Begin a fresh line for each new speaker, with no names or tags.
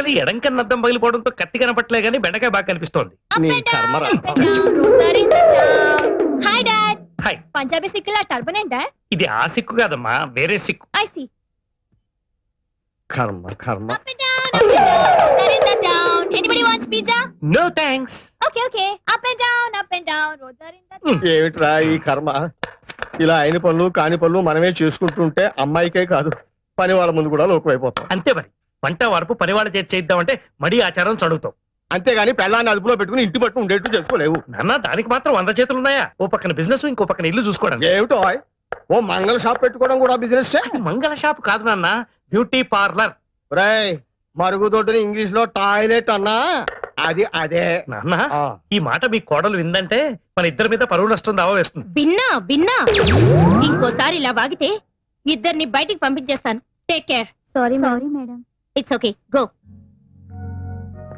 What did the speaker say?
Actually ఎడం కన్నా అద్దం పగిలిపోవడంతో కత్తి కనపట్లే గానీ బెండకాయ బాగా కనిపిస్తోంది.
నీ కర్మరా.
Hi dad.
హాయ్.
పంజాబీ సిక్కులా టర్బన్ డాడ్.
ఇది ఆ సిక్కు కాదమ్మా, వేరే సిక్కు.
I see.
కర్మ కర్మ.
Up and down, up and down. Rosarinda down. Anybody wants pizza?
No thanks.
Okay. Up and down. Rosarinda down.
ఏమిట్రా ఈ కర్మ? ఇలా అయిన పనులు కాని పనులు మనమే చేసుకుంటుంటే అమ్మాయికే కాదు పని వాళ్ళ ముందు కూడా లోకమైపోతాం.
అంతే మరి, వంట వరపు పనివాళ్ళ చేసి చేద్దామంటే మడి ఆచారం చదువుతాం.
అంతేగాని పెళ్ళాన్ని అదుపులో పెట్టుకుని ఇంటి పట్టు ఉండేట్టు చేసుకోలేవు.
నాన్న దానికి మాత్రం 100 చేతులు ఉన్నాయా? ఓ పక్కన బిజినెస్, ఇంకో పక్కన ఇల్లు చూసుకోవడం.
ఏమిటో ఓ మంగళ షాప్ పెట్టుకోవడం కూడా బిజినెస్.
మంగళ షాప్ కాదు నాన్న, బ్యూటీ పార్లర్.
రేయ్, మరుగుదొడ్డిని ఇంగ్లీష్ లో టాయిలెట్ అన్నా అది అదే.
నాన్న ఈ మాట మీ కోడలు విందంటే మన ఇద్దరి మీద పరువు నష్టం దావా వేస్తుంది.
బిన్నా ఇంకోసారి ఇలా వాగితే ఇద్దరిని బయటికి పంపించేస్తాను. Take care.
Sorry madam.
It's okay, go.